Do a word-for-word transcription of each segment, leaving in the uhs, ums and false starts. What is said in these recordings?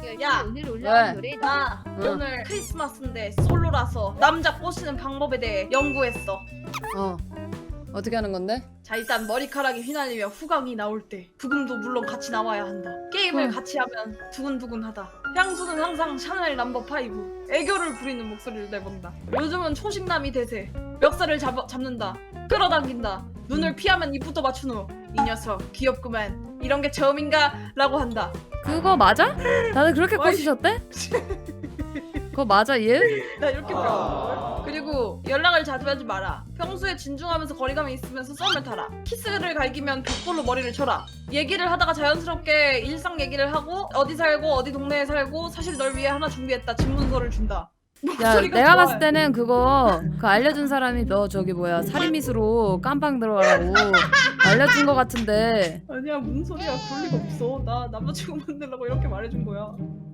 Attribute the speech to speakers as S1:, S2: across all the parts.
S1: 야,
S2: 오늘
S3: 왜?
S2: 올라온 노래
S1: 나
S3: 응.
S1: 오늘 크리스마스인데 솔로라서 남자 꼬시는 방법에 대해 연구했어.
S3: 어. 어떻게 하는 건데?
S1: 자, 일단 머리카락이 휘날리며 후광이 나올 때 부금도 물론 같이 나와야 한다. 게임을
S3: 응.
S1: 같이 하면 두근두근하다. 향수는 항상 샤넬 넘버 파이브. 애교를 부리는 목소리를 내본다. 요즘은 초식남이 대세. 멱살을 잡, 잡는다. 끌어당긴다. 눈을 피하면 입부터 맞춘 후 이 녀석 귀엽구만. 이런 게 처음인가? 라고 한다.
S3: 그거 맞아? 다들 그렇게
S1: 와이.
S3: 꼬시셨대? 그거 맞아 얘?
S1: 나 이렇게 배웠는걸? 그리고 연락을 자주 하지 마라. 평소에 진중하면서 거리감이 있으면서 썸을 타라. 키스를 갈기면 벽돌로 머리를 쳐라. 얘기를 하다가 자연스럽게 일상 얘기를 하고 어디 살고 어디 동네에 살고 사실 널 위해 하나 준비했다. 집문서를 준다.
S3: 야
S1: 목소리가
S3: 내가
S1: 좋아해.
S3: 봤을 때는 그거 그 알려준 사람이 너 저기 뭐야 살인미수로 깜빵 들어가라고 알려준 거 같은데.
S1: 아니야, 무슨 소리야. 그럴 리가 없어. 나 남자친구 만들려고 이렇게 말해준 거야.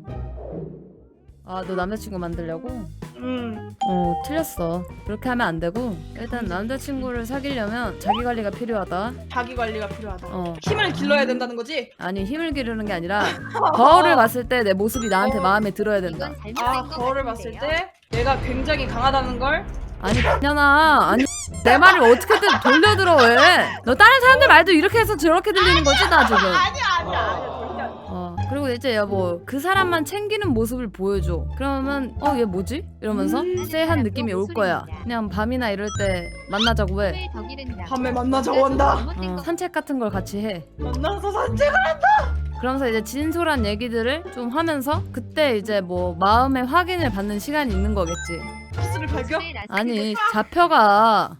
S3: 아 너 남자친구 만들려고?
S1: 음.
S3: 어 틀렸어. 그렇게 하면 안 되고 일단 남자친구를 사귀려면 자기 관리가 필요하다.
S1: 자기 관리가 필요하다.
S3: 어
S1: 힘을 길러야 된다는 거지?
S3: 아니 힘을 기르는 게 아니라 거울을 봤을 때 내 모습이 나한테
S1: 어.
S3: 마음에 들어야 된다.
S2: 이건 잘못된
S1: 아,
S2: 것
S1: 거울을 봤을
S2: 같은데요?
S1: 때 내가 굉장히 강하다는 걸?
S3: 아니 그년아 아니 내 말을 어떻게든 돌려들어 왜? 너 다른 사람들 말도 이렇게 해서 저렇게 들리는 거지 나 지금.
S1: 아니야, 아니야, 아니야. 절대 아니야.
S3: 어 그리고 이제 여보 그 사람만 챙기는 모습을 보여줘. 그러면 어 얘 뭐지? 이러면서
S1: 음.
S3: 쎄한 느낌이 올 거야. 그냥 밤이나 이럴 때 만나자고 해.
S2: 더 기른다.
S1: 밤에 만나자고 한다.
S2: 잘못된
S3: 어,
S2: 것
S3: 산책 같은 걸 같이 해.
S1: 만나서 산책을
S3: 그러면서 이제 진솔한 얘기들을 좀 하면서 그때 이제 뭐 마음의 확인을 받는 시간이 있는 거겠지.
S1: 키스를 발견?
S2: 모습에 라스트
S3: 아니 잡혀가.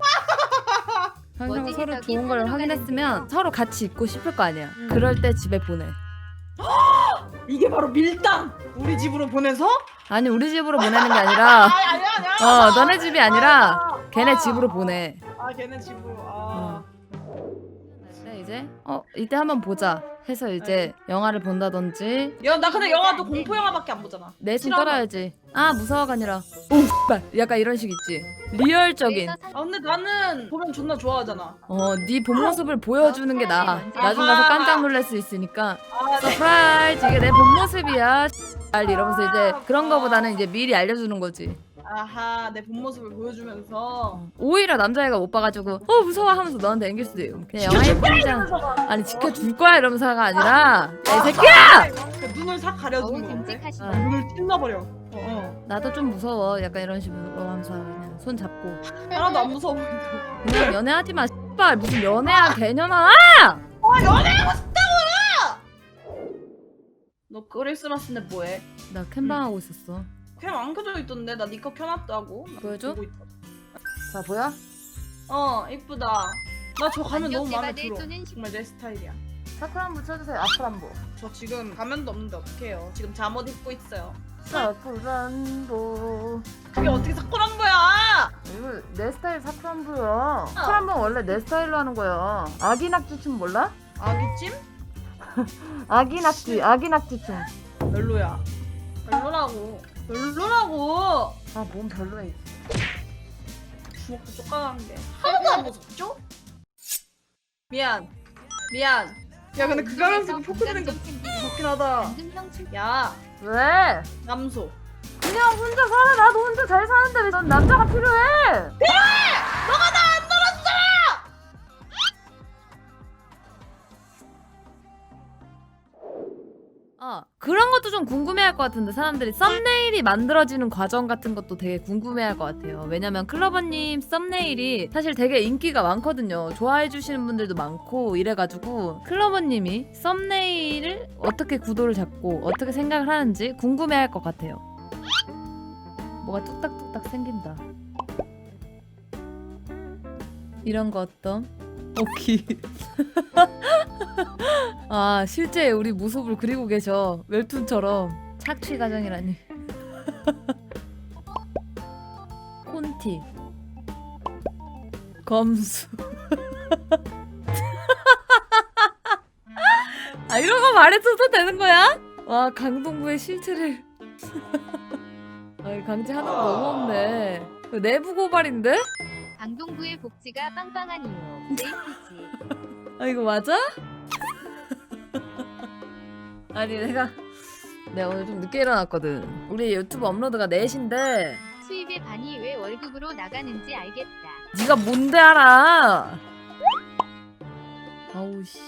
S3: 항상
S2: 멋지게
S3: 서로
S2: 저기
S3: 좋은 걸
S2: 산으로
S3: 확인했으면
S2: 가는데요.
S3: 서로 같이 있고 싶을 거 아니야.
S1: 음.
S3: 그럴 때 집에 보내.
S1: 이게 바로 밀당! 우리 집으로 보내서?
S3: 아니 우리 집으로 보내는 게 아니라
S1: 아니, 아니야, 아니야.
S3: 어 너네 집이 아니라
S1: 아,
S3: 걔네
S1: 아.
S3: 집으로 보내.
S1: 아, 걔네 집으로. 아.
S3: 근데 이제 어 이때 한번 보자 해서 이제 영화를 본다든지
S1: 야, 나 근데 영화도 공포 영화밖에 안 보잖아.
S3: 내 손
S1: 싫어하나?
S3: 떨어야지. 아 무서워가 아니라 오 X발 약간 이런 식 있지. 리얼적인
S1: 아, 근데 나는 보면 존나 좋아하잖아.
S3: 어네 본 모습을 보여주는 게 나아. 나중 가서 깜짝 놀랄 수 있으니까
S1: 아, 네.
S3: 서프라이즈 이게 내 본 모습이야 X발 이러면서 이제 그런 거보다는 이제 미리 알려주는 거지.
S1: 아하, 내 본 모습을 보여주면서.
S3: 오히려 남자애가 못 봐가지고 어 무서워 하면서 너한테 앵길 수도 있고 그냥 영화 예쁘장 아니 지켜줄 거야 이러면서가 아니라 야, 이 새끼야!
S1: 그 눈을 싹
S2: 어우
S1: 가려주는 건데.
S2: 듬직하시다.
S3: 어.
S1: 눈을 찔러버려. 어, 어.
S3: 나도 좀 무서워 약간 이런 식으로 하면서 그냥 손 잡고
S1: 하나도 안 무서워 보인다.
S3: 그냥 연애하지 마 씨발 무슨 연애야 개년아.
S1: 아, 연애하고 싶다고요! 너 크리스마스인데 뭐해?
S3: 나 캠방 하고 있었어.
S1: 캠 안 켜져 있던데? 나 니꺼 켜놨다고. 나
S3: 보여줘?
S1: 보고 있다.
S3: 자 보여?
S1: 어, 이쁘다. 나 저 가면 너무 마음에
S2: 안경제바들
S1: 들어.
S2: 쏘는
S1: 정말 내 스타일이야.
S3: 사쿠란부 쳐주세요. 아쿠란부.
S1: 저 지금 가면도 없는데 어떡해요. 지금 잠옷 입고 있어요.
S3: 사쿠란부.
S1: 그게 어떻게 사쿠란 거야?
S3: 이거 내 스타일 사쿠란부야. 사쿠란부 원래 내 스타일로 하는 거야. 아기 낙지 춤 몰라?
S1: 아기찜?
S3: 아기 낙지, 아기 낙지 춤.
S1: 별로야. 별로라고. 별로라고.
S3: 아 몸 별로야.
S1: 주먹도 쪼까한 게 하나도 안 무섭죠? 미안. 미안. 야, 근데 그 가면서 포크 드는 거 좋긴 하다.
S2: 방금형 출
S1: 야,
S3: 왜?
S1: 남소.
S3: 그냥 혼자 살아. 나도 혼자 잘 사는데 왜 넌 남자가 필요해? 어, 그런 것도 좀 궁금해할 것 같은데 사람들이 썸네일이 만들어지는 과정 같은 것도 되게 궁금해할 것 같아요. 왜냐면 클로버님 썸네일이 사실 되게 인기가 많거든요. 좋아해 주시는 분들도 많고 이래가지고 클로버님이 썸네일을 어떻게 구도를 잡고 어떻게 생각을 하는지 궁금해할 것 같아요. 뭐가 뚝딱뚝딱 생긴다. 이런 거 어떤? 오키. 아 실제 우리 모습을 그리고 계셔. 웹툰처럼. 착취 과정이라니. 콘티 검수. 아 이런 거 말해줘도 되는 거야? 와 강동구의 실체를 아 강제하는 거 너무 없네. 이거 내부 고발인데?
S2: 강동구의 복지가 빵빵한 이유. 네이티지.
S3: 아 이거 맞아? 아니 내가 내가 오늘 좀 늦게 일어났거든. 우리 유튜브 업로드가 네 시인데
S2: 수입의 반이 왜 월급으로 나가는지 알겠다.
S3: 네가 뭔데 알아? 아우 씨.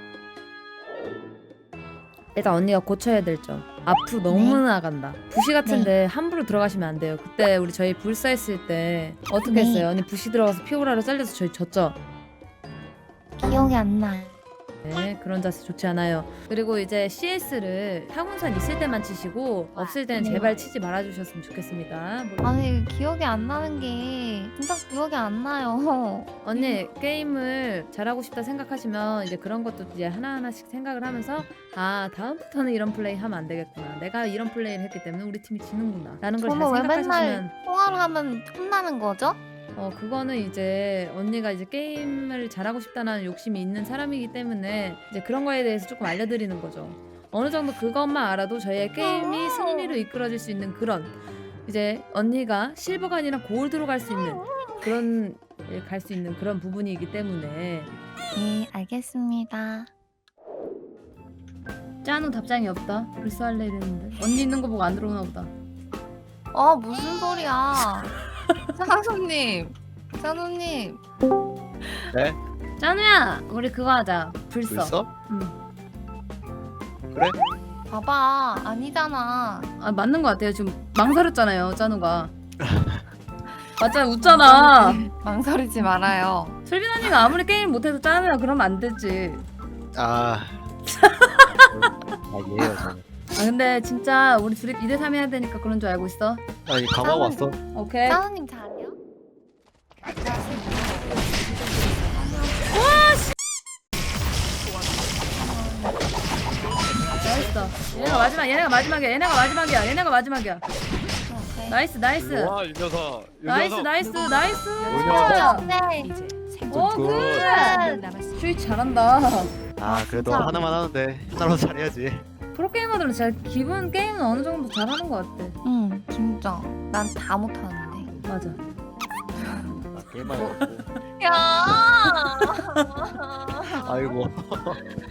S3: 일단 언니가 고쳐야 될 점. 앞으로 너무
S4: 네.
S3: 나간다. 부시 같은데 함부로 들어가시면 안 돼요. 그때 우리 저희 불사했을 때 어떻게
S4: 네.
S3: 했어요? 언니 부시 들어가서 피오라로 잘려서 저희 졌죠?
S4: 기억이 안 나.
S3: 네, 그런 자세 좋지 않아요. 그리고 이제 씨에스를 타군산 있을 때만 치시고 없을 때는
S4: 네.
S3: 제발 치지 말아주셨으면 좋겠습니다. 뭐-
S4: 아니 기억이 안 나는 게 진짜 기억이 안 나요.
S3: 언니 게임을 잘하고 싶다 생각하시면 이제 그런 것도 이제 하나하나씩 생각을 하면서 아 다음부터는 이런 플레이 하면 안 되겠구나. 내가 이런 플레이를 했기 때문에 우리 팀이 지는구나. 라는 걸 잘
S4: 저는 왜
S3: 생각하시면
S4: 맨날 통화를 하면 혼나는 거죠?
S3: 어 그거는 이제 언니가 이제 게임을 잘하고 싶다는 욕심이 있는 사람이기 때문에 이제 그런 거에 대해서 조금 알려드리는 거죠. 어느 정도 그것만 알아도 저희의 게임이 승리로 이끌어질 수 있는 그런 이제 언니가 실버가 아니라 골드로 갈 수 있는 그런 갈 수 있는 그런 부분이기 때문에
S4: 네 알겠습니다.
S3: 짠우 답장이 없다. 벌써 할래 이랬는데 언니 있는 거 보고 안 들어오나 보다.
S4: 어 무슨 소리야? 찬우님, 찬우님.
S5: 네?
S3: 짠우야 우리 그거 하자. 불써.
S5: 벌써?
S3: 응.
S5: 그래?
S4: 봐봐 아니잖아.
S3: 아 맞는 거 같아요. 지금 망설였잖아요 짠우가. 맞잖아 웃잖아.
S4: 망설이지 말아요.
S3: 솔빈 언니가 아무리 게임 못해도 짠우야 그러면 안 되지.
S5: 아. 아 예요 저는.
S3: 아 근데 진짜 우리 둘이 이 대 삼 해야 되니까 그런 줄 알고 있어.
S5: 아니 감하고 왔어.
S3: 오케이.
S4: 찬우님 잘해요?
S3: 잘했어. 얘네가 마지막 얘네가 마지막이야. 얘네가 마지막이야. 얘네가 마지막이야.
S4: 오케이.
S3: 나이스 나이스.
S5: 와이 녀석. 이
S3: 나이스
S5: 녀석.
S3: 나이스 나이스.
S5: 뭐냐?
S4: 네.
S3: 오
S5: 굿.
S3: 굿. 슈이 잘한다.
S5: 아 그래도
S4: 진짜.
S5: 하나만 하는데 하나로 잘해야지.
S3: 프로게이머들은 진짜 기본 게임은 어느 정도 잘하는 것 같아.
S4: 응 진짜 난 다 못하는데.
S3: 맞아.
S5: 아, 게임만 해갖고.
S4: 야.
S5: 아이고.